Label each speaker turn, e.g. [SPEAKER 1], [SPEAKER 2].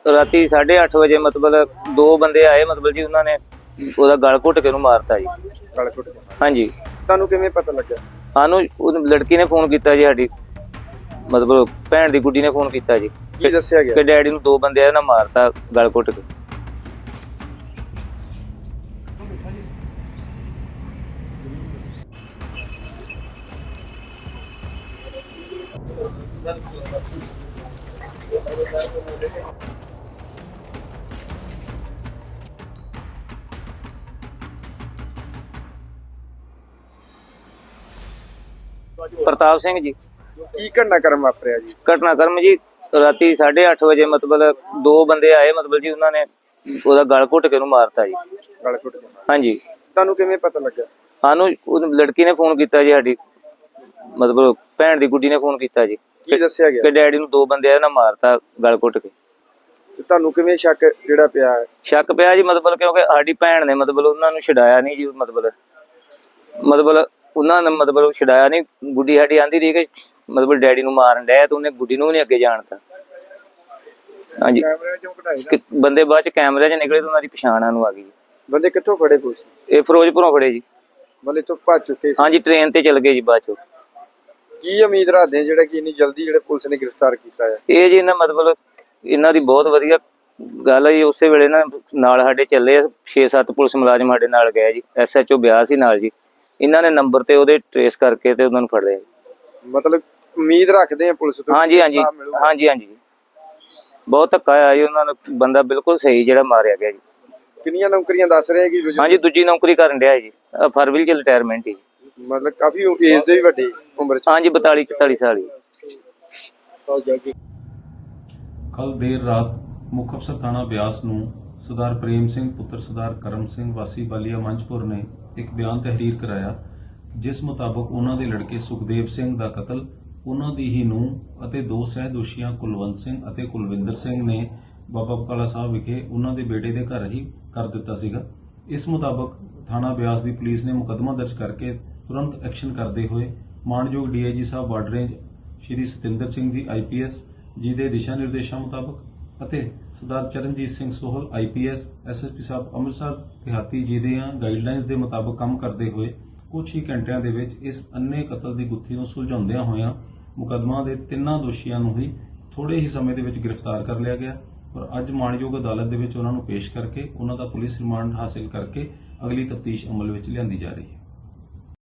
[SPEAKER 1] ਰਾਤੀ 8:30 ਵਜੇ ਮਤਲਬ ਦੋ ਬੰਦੇ ਆਏ ਮਤਲਬ ਜੀ ਉਹਨਾਂ ਨੇ ਉਹਦਾ ਗਲ ਘੁੱਟ ਕੇ ਉਹਨੂੰ ਮਾਰਤਾ ਜੀ।
[SPEAKER 2] ਗਲ ਘੁੱਟ ਕੇ?
[SPEAKER 1] ਹਾਂਜੀ।
[SPEAKER 2] ਤੁਹਾਨੂੰ ਕਿਵੇਂ ਪਤਾ ਲੱਗਾ?
[SPEAKER 1] ਸਾਨੂੰ ਉਹ ਲੜਕੀ ਨੇ ਫੋਨ ਕੀਤਾ ਜੀ, ਸਾਡੀ ਮਤਲਬ ਭੈਣ ਦੀ ਗੁੱਡੀ ਨੇ ਫੋਨ ਕੀਤਾ ਜੀ
[SPEAKER 2] ਕੀ ਦੱਸਿਆ ਗਿਆ?
[SPEAKER 1] ਕਿ ਡੈਡੀ ਨੂੰ ਦੋ ਬੰਦੇ ਆਏ ਨਾ ਮਾਰਤਾ ਗਲ ਘੁੱਟ ਕੇ। ਪ੍ਰਤਾਪ ਸਿੰਘ ਜੀ।
[SPEAKER 2] ਕੀ ਘਟਨਾਕ੍ਰਮ ਵਾਪਰਿਆ ਜੀ?
[SPEAKER 1] ਘਟਨਾਕ੍ਰਮ ਜੀ ਰਾਤੀ 8:30 ਵਜੇ ਮਤਲਬ ਦੋ ਬੰਦੇ ਆਏ ਮਤਲਬ ਜੀ ਉਹਨਾਂ ਨੇ ਉਹਦਾ ਗਲ ਘੁੱਟ ਕੇ ਉਹਨੂੰ ਮਾਰਤਾ ਜੀ।
[SPEAKER 2] ਗਲ ਘੁੱਟ ਕੇ?
[SPEAKER 1] ਹਾਂਜੀ।
[SPEAKER 2] ਤੁਹਾਨੂੰ ਕਿਵੇਂ ਪਤਾ ਲੱਗਾ?
[SPEAKER 1] ਸਾਨੂੰ ਉਹ ਲੜਕੀ ਨੇ ਫੋਨ ਕੀਤਾ ਜੀ, ਸਾਡੀ ਮਤਲਬ ਭੈਣ ਦੀ ਗੁੱਡੀ ਨੇ ਫੋਨ ਕੀਤਾ ਜੀ
[SPEAKER 2] ਕੀ ਦੱਸਿਆ ਗਿਆ?
[SPEAKER 1] ਕਿ ਡੈਡੀ ਨੂੰ ਦੋ ਬੰਦੇ ਆਏ ਨਾ ਮਾਰਤਾ ਗਲ ਘੁੱਟ ਕੇ।
[SPEAKER 2] ਤੇ ਤੁਹਾਨੂੰ ਕਿਵੇਂ ਸ਼ੱਕ ਜਿਹੜਾ ਪਿਆ ਹੈ?
[SPEAKER 1] ਸ਼ੱਕ ਪਿਆ ਜੀ ਮਤਲਬ ਕਿਉਂਕਿ ਸਾਡੀ ਭੈਣ ਨੇ ਮਤਲਬ ਉਹਨਾਂ ਨੂੰ ਛਡਾਇਆ ਨਹੀਂ ਜੀ। ਮਤਲਬ ਉਹਨਾਂ ਨੇ ਮਤਲਬ ਛਡਾਇਆ ਨਹੀਂ। ਗੁੱਡੀ ਸਾਡੀ ਆਂਦੀ ਰਹੀ ਕਿ ਮਤਲਬ ਡੈਡੀ ਨੂੰ ਮਾਰਨ ਡਿਆ ਤੇ ਉਹਨੇ ਗੁੱਡੀ ਨੂੰ ਵੀ ਨਹੀਂ ਅੱਗੇ ਜਾਣਤਾ। ਹਾਂਜੀ। ਬੰਦੇ ਬਾਅਦ ਚ ਕੈਮਰੇ 'ਚ ਨਿਕਲੇ ਤੇ ਉਹਨਾਂ ਦੀ ਪਛਾਣ ਸਾਨੂੰ ਆ ਗਈ।
[SPEAKER 2] ਬੰਦੇ ਕਿੱਥੋਂ ਫੜੇ ਪੁਲਿਸ?
[SPEAKER 1] ਇਹ ਫਿਰੋਜ਼ਪੁਰੋਂ ਫੜੇ ਜੀ।
[SPEAKER 2] ਮਤਲਬ ਇੱਥੋਂ ਭੱਜ ਚੁੱਕੇ ਸੀ?
[SPEAKER 1] ਹਾਂਜੀ, ਟ੍ਰੇਨ ਤੇ ਚਲ ਗਏ ਜੀ ਬਾਅਦ ਚੋਂ।
[SPEAKER 2] ਕੀ ਉਮੀਦ ਰੱਖਦੇ ਆ ਜਿਹੜਾ ਕਿ ਇੰਨੀ ਜਲਦੀ ਜਿਹੜੇ ਪੁਲਿਸ ਨੇ ਗ੍ਰਿਫਤਾਰ ਕੀਤਾ ਹੈ?
[SPEAKER 1] ਇਹ ਜੀ ਇਹਨਾਂ ਮਤਲਬ ਇਹਨਾਂ ਦੀ ਬਹੁਤ ਵਧੀਆ ਗੱਲ ਹੈ ਜੀ। ਉਸੇ ਵੇਲੇ ਨਾਲ ਸਾਡੇ ਚੱਲੇ 6-7 ਪੁਲਿਸ ਮੁਲਾਜ਼ਮ ਸਾਡੇ ਨਾਲ ਗਏ ਜੀ। SHO ਬਿਆਸ ਸੀ ਨਾਲ ਜੀ। ਇਹਨਾਂ ਨੇ ਨੰਬਰ ਤੇ ਉਹਦੇ ਟ੍ਰੇਸ ਕਰਕੇ ਤੇ ਉਹਨਾਂ ਨੂੰ ਫੜ ਲਿਆ।
[SPEAKER 2] ਮਤਲਬ ਉਮੀਦ ਰੱਖਦੇ ਆ ਪੁਲਿਸ ਤੋਂ?
[SPEAKER 1] ਹਾਂਜੀ ਹਾਂਜੀ ਹਾਂਜੀ ਹਾਂਜੀ। ਬਹੁਤ ਧੱਕਾ ਆਇਆ ਜੀ ਉਹਨਾਂ ਨੂੰ। ਬੰਦਾ ਬਿਲਕੁਲ ਸਹੀ ਜਿਹੜਾ ਮਾਰਿਆ ਗਿਆ ਜੀ।
[SPEAKER 2] ਕਿੰਨੀਆਂ ਨੌਕਰੀਆਂ ਦੱਸ ਰਹੇ ਕਿ?
[SPEAKER 1] ਹਾਂਜੀ, ਦੂਜੀ ਨੌਕਰੀ ਕਰਨ ਡਿਆ ਜੀ। ਫਰਵਰੀ ਚ ਰਿਟਾਇਰਮੈਂਟ ਹੀ।
[SPEAKER 2] ਮਤਲਬ ਕਾਫੀ ਏਜ ਦੇ ਵੀ ਵੱਡੇ ਉਮਰ ਚ?
[SPEAKER 1] ਹਾਂਜੀ, 42-44 ਸਾਲ ਹੀ।
[SPEAKER 3] ਕੱਲ ਦੇਰ ਰਾਤ ਮੁੱਖ ਅਫਸਰ ਥਾਣਾ ਬਿਆਸ ਨੂੰ ਸਰਦਾਰ ਪ੍ਰੇਮ ਸਿੰਘ ਪੁੱਤਰ ਸਰਦਾਰ ਕਰਮ ਸਿੰਘ ਵਾਸੀ ਬਾਲੀਆ ਮੰਝਪੁਰ ਨੇ ਇੱਕ ਬਿਆਨ ਤਹਿਰੀਰ ਕਰਾਇਆ, ਜਿਸ ਮੁਤਾਬਕ ਉਹਨਾਂ ਦੇ ਲੜਕੇ ਸੁਖਦੇਵ ਸਿੰਘ ਦਾ ਕਤਲ ਉਹਨਾਂ ਦੀ ਹੀ ਨੂੰਹ ਅਤੇ ਦੋ ਸਹਿਦੋਸ਼ੀਆਂ ਕੁਲਵੰਤ ਸਿੰਘ ਅਤੇ ਕੁਲਵਿੰਦਰ ਸਿੰਘ ਨੇ ਬਾਬਾ ਬਕਾਲਾ ਸਾਹਿਬ ਵਿਖੇ ਉਹਨਾਂ ਦੇ ਬੇਟੇ ਦੇ ਘਰ ਹੀ ਕਰ ਦਿੱਤਾ ਸੀਗਾ। ਇਸ ਮੁਤਾਬਕ ਥਾਣਾ ਬਿਆਸ ਦੀ ਪੁਲਿਸ ਨੇ ਮੁਕੱਦਮਾ ਦਰਜ ਕਰਕੇ ਤੁਰੰਤ ਐਕਸ਼ਨ ਕਰਦੇ ਹੋਏ ਮਾਨਯੋਗ DIG ਸਾਹਿਬ border range Shri Satinder Singh ji IPS ਜੀ ਦੇ ਦਿਸ਼ਾ ਨਿਰਦੇਸ਼ਾਂ ਮੁਤਾਬਕ ਅਤੇ ਸਰਦਾਰ ਚਰਨਜੀਤ ਸਿੰਘ ਸੋਹਲ IPS SSP ਸਾਹਿਬ ਅੰਮ੍ਰਿਤਸਰ ਦਿਹਾਤੀ ਜੀ ਦੇ ਗਾਈਡਲਾਈਨਸ ਦੇ ਮੁਤਾਬਕ ਕੰਮ ਕਰਦੇ ਹੋਏ ਕੁਝ ਹੀ ਘੰਟਿਆਂ ਦੇ ਵਿੱਚ ਇਸ ਅੰਨੇ ਕਤਲ ਦੀ ਗੁੱਥੀ ਨੂੰ ਸੁਲਝਾਉਂਦਿਆਂ ਹੋਇਆਂ ਮੁਕੱਦਮਾ ਦੇ ਤਿੰਨਾਂ ਦੋਸ਼ੀਆਂ ਨੂੰ ਹੀ ਥੋੜੇ ਹੀ ਸਮੇਂ ਦੇ ਵਿੱਚ ਗ੍ਰਿਫਤਾਰ ਕਰ ਲਿਆ ਗਿਆ ਔਰ ਅੱਜ ਮਾਣਯੋਗ ਅਦਾਲਤ ਦੇ ਵਿੱਚ ਉਹਨਾਂ ਨੂੰ ਪੇਸ਼ ਕਰਕੇ ਉਹਨਾਂ ਦਾ ਪੁਲਿਸ ਰਿਮਾਂਡ ਹਾਸਿਲ ਕਰਕੇ ਅਗਲੀ ਤਫਤੀਸ਼ ਅਮਲ ਵਿੱਚ ਲਿਆਂਦੀ ਜਾ ਰਹੀ ਹੈ।